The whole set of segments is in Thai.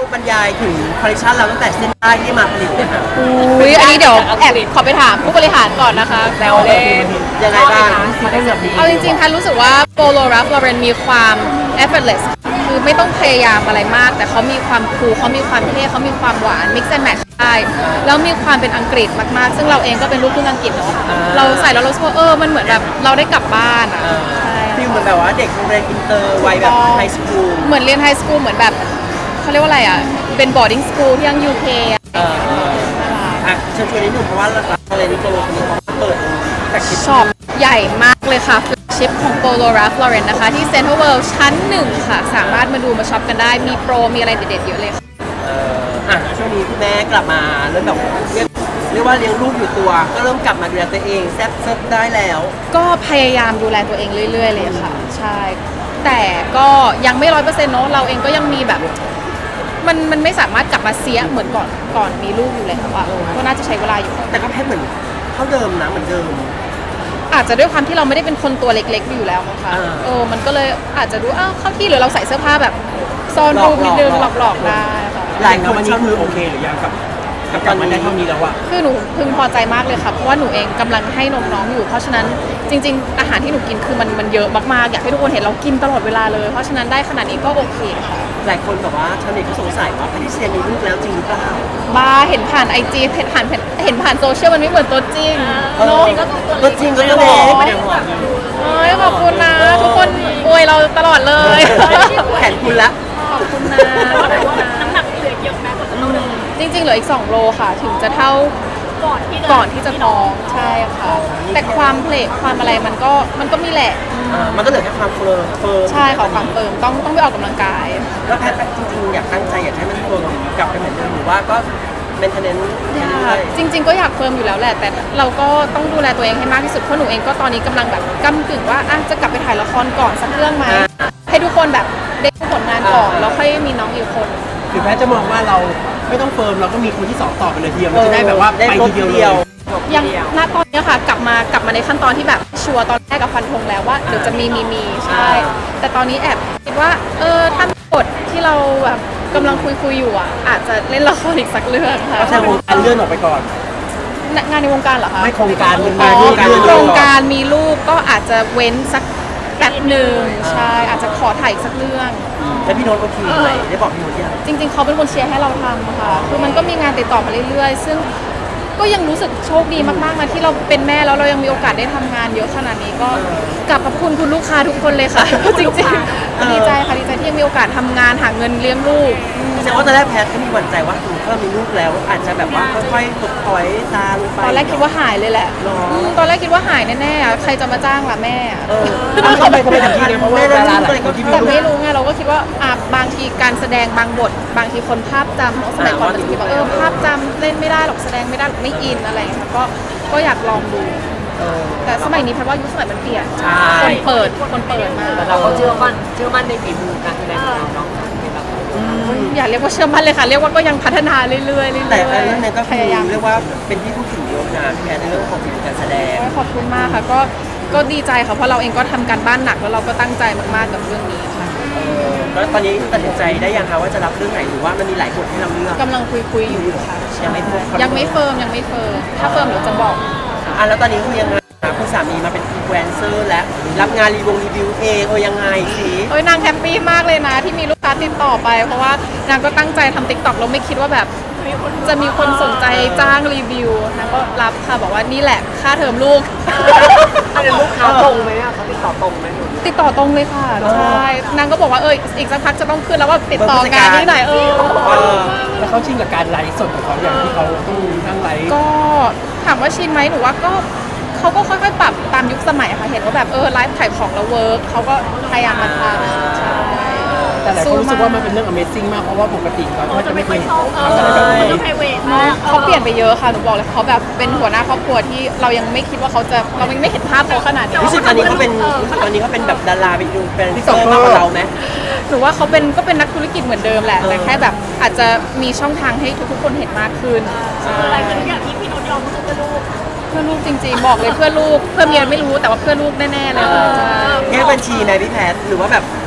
บรรยายถึงคอลเลคชันเราตั้งแต่เส้นได้ที่มาผลิตเนี่ยค่ะอุ้ยอันนี้เดี๋ยวแอบขอไปถามผู้บริหารก่อนนะคะแซวเล่นยังไงบ้างมาได้แบบนี้เอาจริงๆแพนรู้สึกว่าโปโลรัฟลอเรนมีความ effortless คือไม่ต้องพยายามอะไรมาก แต่เขามีความคูลเขามีความเท่เขามีความหวาน mix and match ได้แล้วมีความเป็นอังกฤษมากๆ ซึ่งเราเองก็เป็นลูกครึ่งอังกฤษเนาะเราใส่แล้วเรารู้สึกว่ามันเหมือนแบบเราได้กลับบ้านอ่ะใช่ฟิลเหมือนแบบว่าเด็กโรงเรียนอินเตอร์วัยแบบไฮสคูลเหมือนเรียนไฮสคูลเหมือนแบบเขาเรียกว่าอะไรอ่ะเป็น boarding school ที่ยัง UK อ่ะเชิญชวนนิดนึงเพราะว่าอะไรนี่โปรนี้เขาเปิดแฟลกชิพช็อปใหญ่มากเลยค่ะ flagship ของ Polo Ralph Lauren นะคะ ที่ Central World ชั้น 1 ค่ะ สามารถมาดูมาช็อปกันได้มีโปรมีอะไรเด็ดๆเยอะเลยค่ะช่วงนี้คุณแม่กลับมาเริ่มแบบเรียกว่าเลี้ยงลูกอยู่ตัว ก็เริ่มกลับมาดูแลตัวเองแซ่บได้แล้วก็พยายามดูแลตัวเองเรื่อยๆเลยค่ะ ใช่ แต่ก็ยังไม่100%เนาะเราเองก็ยังมีแบบมันไม่สามารถกลับมาเสียเหมือนก่อนมีลูกอยู่เลยค่ะก็น่าจะใช้เวลาอยู่แต่ก็แพ้เหมือนเท่าเดิมนะเหมือนเดิมอาจจะด้วยความที่เราไม่ได้เป็นคนตัวเล็กๆอยู่แล้วมั้งคะมันก็เลยอาจจะดูเข้าที่หรือเราใส่เสื้อผ้าแบบซ่อนรูปนิดนึงหลอกๆได้ค่ะหลายคนวันนี้คือโอเคหรือยังกับการมันได้เท่านี้แล้วอะคือหนูพึงพอใจมากเลยค่ะเพราะว่าหนูเองกำลังให้นมน้องอยู่ เพราะฉะนั้นจริงๆอาหารที่หนูกินคือมันเยอะมากๆอยากให้ทุกคนเห็นเรากินตลอดเวลาเลย เพราะฉะนั้นได้ขนาดนี้ก็โอเคค่ะหลายคนแบบว่าชาวเน็ตก็สงสัยว่าแพทริเซียมีลูกแล้วจริงหรือเปล่าบ้าเห็นผ่านไอจีเห็นผ่านโซเชียลมันไม่เหมือนตัวจริงเนาะตัวจริงก็ตัวเล็กขอบคุณนะทุกคนอวยเราตลอดเลยแขนคุณละขอบคุณนะน้ำหนักเหลือเยอะนะจริงๆเหลืออีก2 โลค่ะ ถึงจะเท่าก่อนที่จะท้องใช่ค่ะ แต่ความเพลทความอะไรมันก็มีแหละมันก็เหลือแค่ความเฟิร์มใช่ค่ะความเฟิร์มต้องไปออกกำลังกายแล้วแพทจริงๆอยากตั้งใจอยากให้มันเฟิร์มกลับไปเหมือนเดิมหรือว่าก็เมนเทนเนนซ์เรื่อยจริง ๆก็อยากเฟิร์มอยู่แล้วแหละ แต่เราก็ต้องดูแลตัวเองให้มากที่สุดเพราะหนูเองก็ตอนนี้กำลังแบบก้ำกึ่งว่าจะกลับไปถ่ายละครก่อนสักเรื่องไหมให้ทุกคนแบบได้ผลงานก่อนแล้วค่อยมีน้องอีกคนคือแพทย์จะมองว่าเราไม่ต้องเฟิร์มเราก็มีคนที่2ต่อไปเลยทีเดียวมันจะได้แบบว่าไปทีเดียวเลยยังณตอนนี้ค่ะกลับมาในขั้นตอนที่แบบชัวร์ตอนแรกกับฟันธงแล้วว่าเดี๋ยวจะมีใช่ แต่ตอนนี้แอบคิดว่าถ้ามีบทที่เราแบบกำลังคุยอยู่อาจจะเล่นละครอีกสักเรื่องค่ะก็ใช่วงการเลื่อนออกไปก่อนงานในวงการเหรอคะไม่โครงการวงอ๋การอเลื่อนโครงการมีลูกก็อาจจะเว้นสักแป๊บหนึ่งใช่อาจจะขอถ่ายอีกสักเรื่องแล้วพี่โน้ตโอเคไหมได้บอกพี่โน้ตยังจริงๆเขาเป็นคนเชียร์ให้เราทำค่ะคือมันก็มีงานติดต่อมาเรื่อยๆ ซึ่งก็ยังรู้สึกโชคดีมากๆนะที่เราเป็นแม่แล้วเรายังมีโอกาสได้ทำงานเยอะขนาดนี้ก็กลับขอบคุณคุณลูกค้าทุกคนเลยค่ะ จริงๆดีใจค่ะดีใจที่ยังมีโอกาสทำงานหาเงินเลี้ยงลูกแสดงว่าตอนแรกแพทก็มีหวั่นใจว่าถ้าเรามีลูกแล้ว อาจจะแบบว่าค่อยๆตกถอยซาลงไปตอนแรกคิดว่าหายเลยแหละหรอตอนแรกคิดว่าหายแน่ๆใครจะมาจ้างล่ะแม่ทำไมถึงคิดเนี่ยเพราะว่าดาราหลายคนที่มีแต่ลูกไม่รู้ไงเราก็คิดว่าบางทีการแสดงบางบท บางทีคนภาพจำเนอะสมัยก่อนเราจะคิดว่าภาพจำเล่นไม่ได้หรอกแสดงไม่ได้หรอกไม่อินอะไรอย่างเงี้ยก็อยากลองดู แต่สมัยนี้แพทย์ว่ายุคสมัยมันเปลี่ยนคนเปิดมาเราก็เชื่อมั่นในฝีมือการแสดงของเราเนาะอย่าเรียกว่าเชื่อมั่นเลยค่ะ เรียกว่าก็ยังพัฒนาเรื่อยๆแต่เรื่องนั้นก็พคือยายามเรียกว่าเป็นที่พูดถึงเยอะนะพี่แพทในเรื่องของฝีมือการแสดงขอบคุณมากค่ะก็ดีใจค่ะเพราะเราเองก็ทำการบ้านหนักแล้วเราก็ตั้งใจมากๆกับเรื่องนี้ค่ะแล้วตอนนี้ตัดสินใจได้ยังคะว่าจะรับเรื่องไหนหรือว่ามันมีหลายบทให้เราเลือกกำลังคุยอยู่ค่ะยังไม่เฟิร์มยังไม่เฟิร์มถ้าเฟิร์มเดี๋ยวจะบอกแล้วตอนนี้คือยังไงคุณสามีมาเป็นอินฟลูเอนเซอร์และรับงานรีวิวเองยังไงสินางแฮปปี้มากเลยนะที่มีลูกค้าติดต่อไป เพราะว่านางก็ตั้งใจทำ TikTok เราไม่คิดว่าแบบจะมีคนสนใจจ้างรีวิวนางก็รับค่ะบอกว่านี่แหละค่าเทอมลูกอันนี้ลูกค้าตรงไหมเนี่ยเขาติดต่อตรงไหมหนูติดต่อตรงเลยค่ะใช่นางก็บอกว่าอีกสักพักจะต้องขึ้นแล้วว่าติดต่องานที่ไหนแล้วเขาชินกับการไลฟ์สดของเขาอย่างที่เขาต้องนั่งไลฟ์ก็ถามว่าชินไหมหนูว่าก็เขาก็ค่อยๆปรับตามยุคสมัยค่ะเห็นว่าแบบไลฟ์ขายของแล้วเวิร์กเขาก็พยายามมาทำใช่แต่หลายคนรู้สึกว่ามันเป็นเรื่อง Amazing มากเพราะว่าปกติเราก็จะไม่เคยทำอะไรแบบนี้เขาเปลี่ยนไปเยอะค่ะหนูบอกเลยเขาแบบเป็นหัวหน้าครอบครัวที่เรายังไม่คิดว่าเรายังไม่เห็นภาพเขาขนาดนี้รู้สึกตอนนี้เขาเป็นแบบดาราเป็นอินฟลูเอนเซอร์มากกว่าเราไหมหนูว่าเขาเป็นนักธุรกิจเหมือนเดิมแหละแต่แค่แบบอาจจะมีช่องทางให้ทุกๆคนเห็นมากขึ้นอะไรคืออย่างที่พี่โน้ตยอมเพื่อลูกจริงๆบอกเลยเพื่อลูกเพื่อเมียไม่รู้แต่ว่าเพื่อลูกแน่ๆเลยค่ะแค่บัญชีไหมพี่แพทหรือว่าแบบ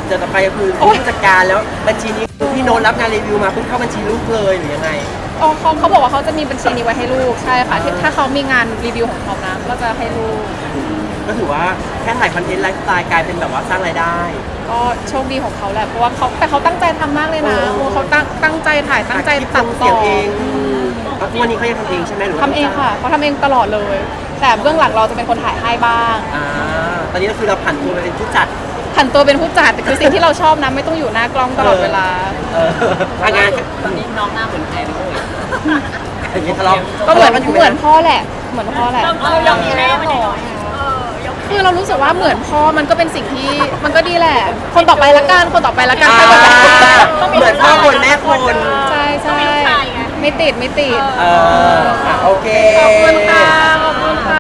จะต่อไปคือผู้จัดการแล้วบัญชีนี้คือพี่โน้ตรับงานรีวิวมาเพิ่งเข้าบัญชีลูกเลยหรือยังไงอ๋อเขาบอกว่าเขาจะมีบัญชีนี้ไว้ให้ลูกใช่ค่ะถ้าเขามีงานรีวิวของเขานะก็จะให้ลูกก็ถือว่าแค่ถ่ายคอนเทนต์ไลฟ์สไตล์กลายเป็นแบบว่าสร้างรายได้ก็โชคดีของเขาแหละเพราะว่าเขาตั้งใจทำมากเลยนะโอ้เขาตั้งใจถ่ายตั้งใจตัดเสีต่ยองเองแล้วทุกวันนี้เขายังทำเองใช่ไหมหรือว่าทำเองค่ะเขาทำเองตลอดเลย แต่เบื้องหลังเราจะเป็นคนถ่ายให้บ้างตอนนี้ก็คือเราผันตัวไปเป็นผู้จัดผันตัวเป็นผู้จัดคือสิ่งที่เราชอบนะไม่ต้องอยู่หน้ากล้องตลอดเวลางานตอนนี้น้องหน้าเหมือนใครเลยอย่างนี้ทะเลาะก็เหมือนพ่อแหละเหมือนพ่อแหละเรายอมมีแม่มาหน่อยคือเรารู้สึกว่าเหมือนพ่อมันก็เป็นสิ่งที่มันก็ดีแหละ คนต่อไปละกันคนต่อไปละกันเหมือนพ่อคนแม่คนใช่ใช่ไม่ติดโอเคขอบคุณค่ะขอบคุณค่ะ